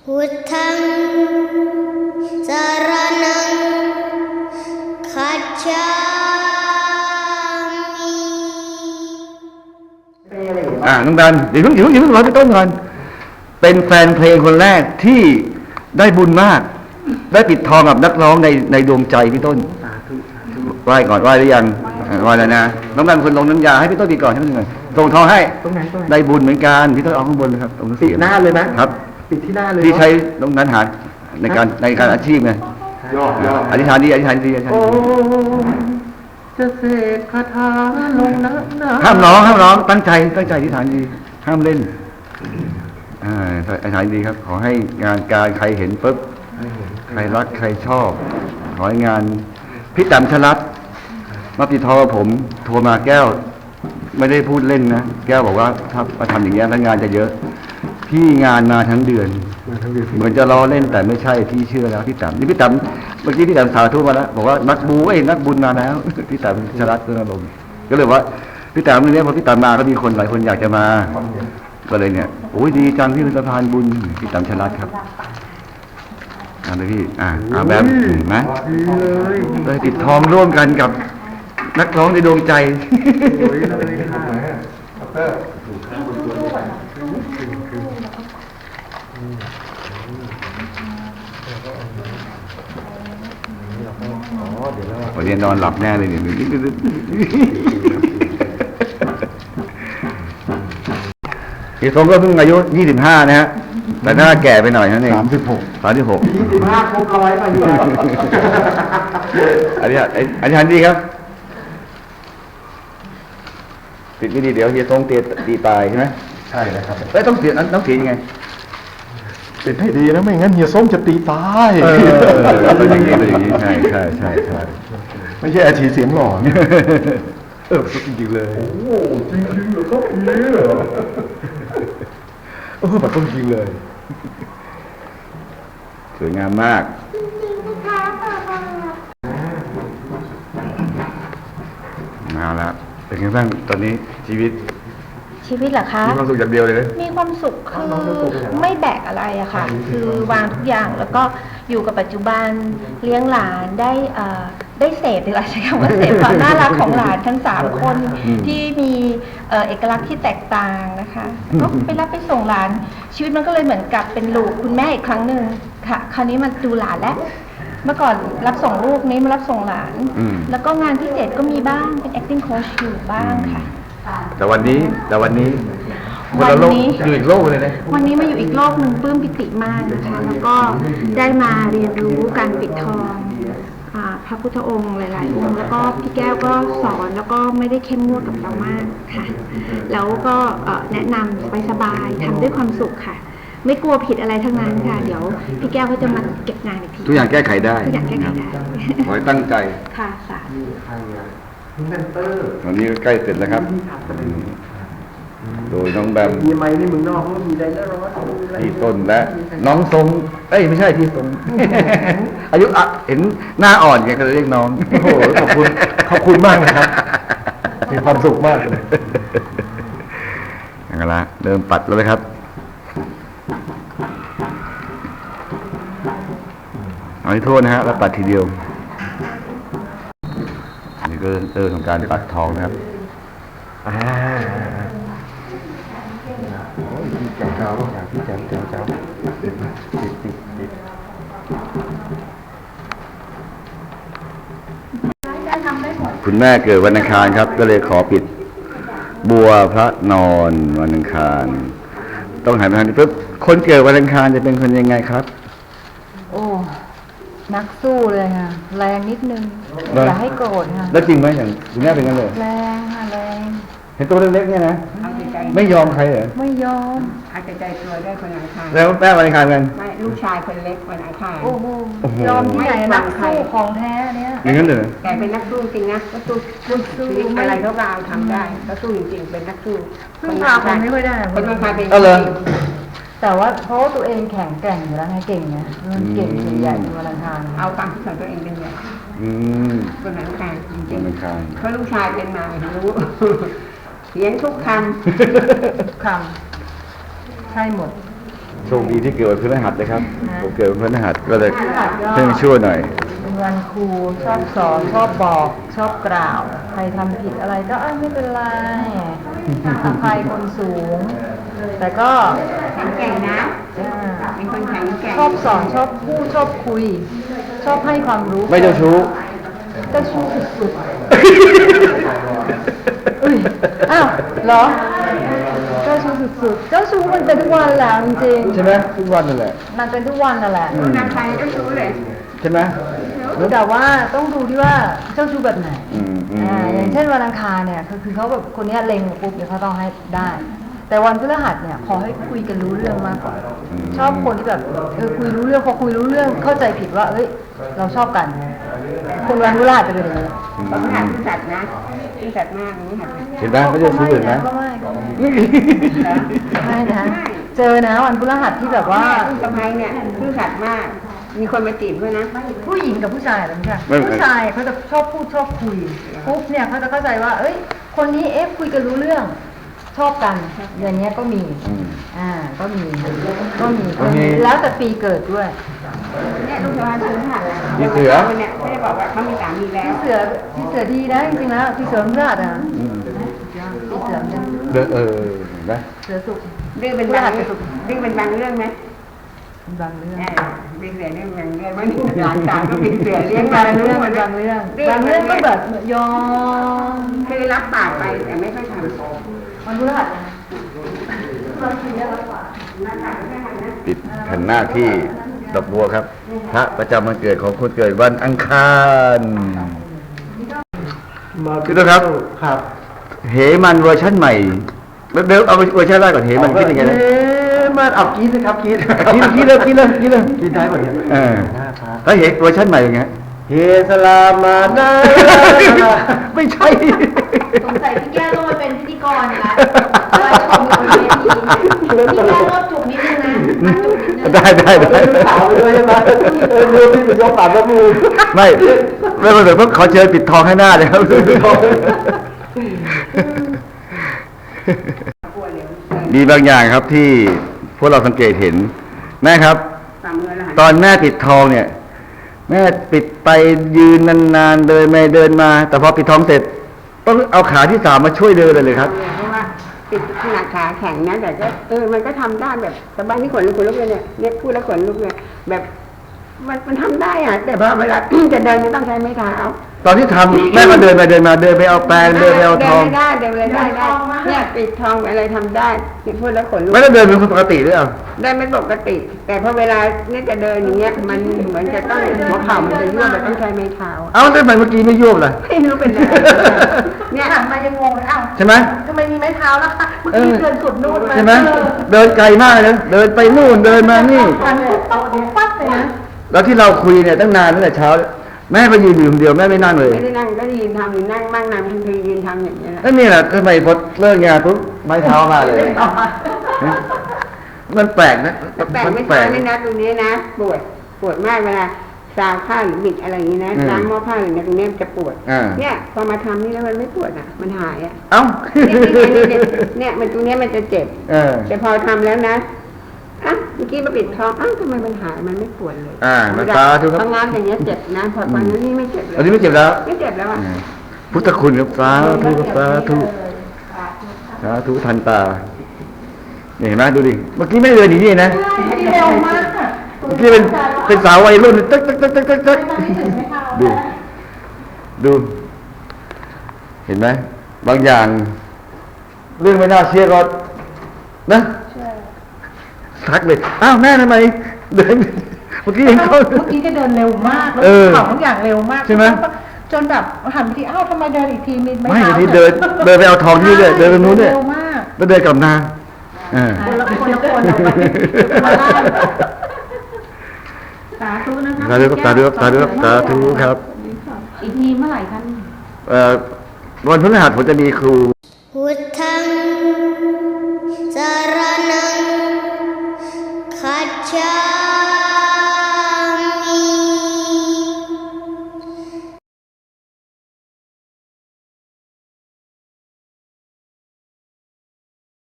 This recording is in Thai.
พุทธังสรณังคัจฉามิน้องดันเดี๋ยวเพิ่งรอพี่ต้นก่อนเป็นแฟนเพลงคนแรกที่ได้บุญมาก ได้ปิดทองกับนักร้องในดวงใจพี่ต้นไหว้ก่อนไหว้หรือยังไหว้แล้วนะน้องดันคนลงน้ำยาให้พี่ต้นปิดก่อนให้พี่ต้นส่งทองให้ได้บุญเหมือนกันพี่ต้นเอาข้างบนเลยครับตรงนี้ปิดหน้าเลยนะครับปิดที่หน้าเลยที่ใช้น้องดันหาในการอาชีพไงอธิษฐานดีโอ้จะเสกคาถาลงน้ำห้ามร้องตั้งใจอธิษฐานดีห้ามเล่นอธิษฐานดีครับขอให้งานการใครเห็นปุ๊บใครรักใครชอบขอให้งานพี่แต้มชลัดมาติดต่อผมโทรมาแก้วไม่ได้พูดเล่นนะแก้วบอกว่าถ้ามาทำอย่างเงี้ยแล้วงานจะเยอะพี่งานมาทั้งเดือนเหมือนจะล้อเล่นแต่ไม่ใช่พี่เชื่อแล้วพี่แต้มนี่พี่แต้มเมื่อกี้พี่แต้มสาธุมาแล้วบอกว่านักบุญมาแล้วพี่แต้มชลัดก็ลงก็เลยว่าพี่แต้มเนี่ยพอพี่แต้มมาก็มีคนหลายคนอยากจะมาก็เลยเนี่ยโอ้ยดีจังที่เป็นสะพานบุญพี่แต้มชลัดครับเลยพี่แบบนะเลยติดทองร่วมกันกับนักร้องในดวงใจวันนี้นอนหลับแน่เลยเนี่ยพี่สมก็เพิ่งอายุ25นะฮะแต่ถ้าแก่ไปหน่อยนั่นเอง36 25ครบ100มาอยู่อันนี้ทันดีครับติดไม่ดีเดี๋ยวเฮียทรงตีตายใช่ไหมใช่นะครับต้องเสียยังไงติดให้ดีนะไม่งั้นเฮียส้มจะตีตายเป็นอย่างนี้ใช่ไม่ใช่อาชีเสียงหล่อจริงเลยโอ้จริงเหรอครับแบบต้องจริงเลยสวยงามมากมาแล้วเป็นไงบ้างตอนนี้ชีวิตเหรอคะมีความสุขอย่างเดียวเลยนะมีความสุขคือไม่แบกอะไรอะค่ะคือวางทุกอย่างแล้วก็อยู่กับปัจจุบันเลี้ยงหลานได้เสพดีกว่าใช้คำว่าเสพความน่ารักของหลานทั้ง3คนที่มีเอกลักษณ์ที่แตกต่างนะคะก็ไปรับไปส่งหลานชีวิตมันก็เลยเหมือนกับเป็นลูกคุณแม่อีกครั้งหนึ่งค่ะคราวนี้มาดูหลานแล้วเมื่อก่อนรับส่งลูกนี้มารับส่งหลานแล้วก็งานพิเศษก็มีบ้างเป็น acting coach อยู่บ้างค่ะแต่วันนี้คนละโลกอยู่อีกโลกเลยนะวันนี้มาอยู่อีกโลกหนึ่งปลื้มปิติมากนะคะแล้วก็ได้มาเรียนรู้การปิดทองพระพุทธองค์หลายๆองค์แล้วก็พี่แก้วก็สอนแล้วก็ไม่ได้เข้มงวดกับเรามากค่ะแล้วก็แนะนำสบายๆทำด้วยความสุขค่ะไม่กลัวผิดอะไรทั้งนั้นค่ะเดี๋ยวพี่แก้วก็จะมาเก็บงานอีกทีทุกอย่างแก้ไขได้ขอให้ตั้งใจค่ะสาธุวันนี้ใกล้เสร็จแล้วครับโดยน้องแบมมีไม้นี่มึงนอกมีได้แล้วพี่ต้นและน้องทรงไม่ใช่พี่ทรงอายุเห็นหน้าอ่อนไงก็เลยเรียกน้องโอ้โหขอบคุณมากนะครับมีความสุขมากเลยอย่างไรเริ่มปัดแล้วเลยครับเอาให้โทษนะฮะแล้วปัดทีเดียวนี่ก็เริ่มของการปัดทองนะครับพี่แจ๋วคุณแม่เกิดวันอังคารครับก็เลยขอปิดบัวพระนอนวันอังคารต้องหันไปทางนี้ปุ๊บคนเกิดวันอังคารจะเป็นคนยังไงครับโอ้นักสู้เลยค่ะแรงนิดนึงอย่าให้โกรธค่ะแล้วจริงไหมอย่างคุณแม่เป็นงั้นเลยแรงค่ะแรงเห็นตัวเล็กๆเนี่ยนะไม่ยอมใครเหรอไม่ยอมเอาใจตัวได้คนอังคารแล้วแม่วันอังคารกันไม่ลูกชายคนเล็กวันอังคารโอ้โหยอมที่ไหนนักสู้ของแท้เนี่ยอย่างนั้นเลยแต่เป็นนักสู้จริงนะก็สู้อะไรก็เอาทำได้ก็สู้จริงๆเป็นนักสู้พึ่งพาคนไม่ค่อยได้คนอังคารเป็นแต่ว่าเพราะตัวเองแข็งแกร่งอยู่แล้วไงเก่งไงมันเก่งเป็นใหญ่เป็นวันอังคารเอาตามที่สอนตัวเองเป็นใหญ่คนอังคารจริงๆเพราะลูกชายเป็นมารู้เขียนทุกคำใช่หมดโชคดีที่เกิดวันพฤหัสนะครับผมเกิดวันพฤหัสก็เลยเพิ่งชั่วหน่อยเป็นวันครูชอบสอนชอบบอกชอบกล่าว ใครทำผิดอะไรก็ไม่เป็นไรอภัยคนสูง แต่ก็แข็งแกร่งนะเป็นคนแข็งแกร่งชอบสอนชอบพูดชอบคุย ชอบให้ความรู้ไม่เจ้าชู้เจ้าชู้สุดๆอุ้ยอ้าวเหรอเจ้าชู้สุดๆเจ้าชู้มันเป็นทุกวันแหละจริงๆใช่ไหมทุกวันนั่นแหละมันเป็นทุกวันนั่นแหละนางใครก็ชู้เลยใช่ไหมแต่ว่าต้องดูที่ว่าเจ้าชู้แบบไหนอืมอย่างเช่นวันอังคารเนี่ยคือเขาแบบคนเนี้ยเล็งปุ๊บเนี่ยเขาต้องให้ได้ แต่วันพฤหัสเนี่ยขอให้คุยกันรู้เรื่องมากกว่าชอบคนที่แบบคุยรู้เรื่องพอคุยรู้เรื่องเข้าใจผิดว่าเอ้ยเราชอบกันคนวันพฤหัสจะเป็นอย่างนี้เพราะขนาดที่สัตว์นะที่สัตว์มากนี่ค่ะเห็นไหมเขาเจ้าชู้เห็นไหมก็ไม่นะเจอนะวันพฤหัสที่แบบว่าลูกสะพ้ายเนี่ยซื่อสัตย์มาก มีคนมาจีบด้วยนะผู้หญิงกับผู้ชายอะไรไม่ใช่ผู้ชายเขาจะชอบพูดชอบคุยปุ๊บเนี่ยเขาจะเข้าใจว่า เอ้ย คนนี้คุยกันรู้เรื่อง ชอบกันอย่างเงี้ยก็มีก็มีแล้วแต่ปีเกิดด้วยเนี่ยลูกสะพ้ายซื่อสัตย์พี่เสือเนี่ยไม่ได้บอกว่าเขามีสามีแล้วพี่เสือดีนะจริงๆแล้วพี่เสือมราดอ่ะพี่เสือเนี่ยเห็นไหมเสือสุกดื้อเป็นบางเรื่องไหมบางเรื่องเป็นเสือเรื่องบางเรื่องว่าหลานสาวก็เป็นเสือเลี้ยงบางเรื่องก็แบบยอมคือรับปากไปแต่ไม่ค่อยทำวันพฤหัสปิดแผ่นหน้าที่ดอกบัวครับ พระประจำวันเกิดของคนเกิดวันอังคารคือนะครับครับเหมันเวอร์ชันใหม่เดี๋ยวเอาเวอร์ชันแรกก่อนเหมันคิดยังไงนะมันเอากินนะครับกินคิดเลยกินได้หมดเนี่ยถ้าเหเวอร์ชันใหม่เป็นไงเฮสลามานาไม่ใช่สงสัยพี่แก้วต้องมาเป็นพิธีกรนะคอยชมอยู่บนเวทีพี่แก้วก็จุกนิดนึงนะจุกนิดนึงได้สาวไปด้วยใช่ไหมดูที่เป็นยกปากแล้วมือไม่เหมือนพวกขอเชิญปิดทองให้หน้าเลยครับมีบางอย่างครับที่พวกเราสังเกตเห็นแม่ครับ ตอนแม่ปิดทองเนี่ย แม่ปิดไปยืนนานๆเดินไม่เดินมา แต่พอปิดทองเสร็จ ต้องเอาขาที่สามมาช่วยเดินเลยครับเพราะว่าปิดขนาดขาแข็งนะแต่ก็มันก็ทำได้แบบสบายที่ขนลุกเลยเนี่ยพูดแล้วขนลุกเลยแบบมันทำได้อะแต่พอเวลา จะเดินจะต้องใช้ไม้เท้าตอนที่ทำแม่ก็เดินไปเดินมาเดินไปเอาแปรงเดินไปเอาทองเดินได้เนี่ยปิดทองอะไรทำได้พูดแล้วขนลุกไม่ได้เดินเป็นคนปกติหรือเปล่าได้ไม่ปกติ แต่พอเวลาเนี่ยจะเดินอย่างเงี้ยมันเหมือนจะต้องหัวเข่ามันจะยั่วมันต้องใช้ไม้เท้าเอ้าทำไมเมื่อกี้ไม่ยวบล่ะไม่รู้เป็นอะไรเนี่ยหันมายังงงเลยอ้าวใช่ไหมทำไมมีไม้เท้าล่ะคะเมื่อกี้เดินสุดนู่นมาใช่ไหมเดินไกลมากเลยเดินไปนู่นเดินมานี่หันปุ๊บปั๊บเลยนะแล้วที่เราคุยเนี่ยตั้งนานตั้งแต่เช้าแม่ไปยืนอยู่คนเดียวแม่ไม่นั่งเลยไม่ได้นั่งก็ยืนทำอยู่นั่งบ้างนั่งคือยืนทำอย่างเงี้ยแหละแล้วนี่แหละทำไมพอเลิกงานปุ๊บไม้เท้ามาเลย มันแปลกนะแปลกไม่ใช่นี่นะตรงนี้นะปวดมากเวลาซาวผ้าหรือบิดอะไรอย่างนี้นะล้างหม้อผ้าหรือตรงนี้มันจะปวดเนี่ยพอมาทำนี่แล้วมันไม่ปวดอ่ะมันหายอ่ะเอ้าเนี่ยมันตรงนี้มันจะเจ็บแต่พอทำแล้วนะอ่ะเมื่อกี้มาปิดท้องอ้าวทำไมมันหายมันไม่ปวดเลยมันตาทุกครับทำงานอย่างเงี้ยเจ็บนะพอตอนนี้ไม่เจ็บเลยอันนี้ไม่เจ็บแล้วไม่เจ็บแล้วอ่ะพุทธคุณครับสาธุทันตานี่เห็นไหมดูดิเมื่อกี้ไม่เดินอย่างนี้นะเร็วมากค่ะเมื่อกี้เป็นสาววัยรุ่นตึ๊กดูเห็นไหมบางอย่าง เรื่องไม่น่าเชื่อก็นะทักเลยอ้าวแม่ทำไมเดินเมื่อกี้เห็นเขาเมื่อกี้จะเดินเร็วมากแล้วของทุกอย่างเร็วมากใช่ไหมจนแบบหันไปทีอ้าวทำไมเดินอีกทีมีไม่ทีเดินไปเอาทองนี่เลยเดินไปนู้นเนี่ยเร็วมากแล้วเดินกลับนาคนละคนสาธุนะคะสาธุครับอีกทีเมื่อไหร่คะวันพฤหัสผมจะมีครูพุท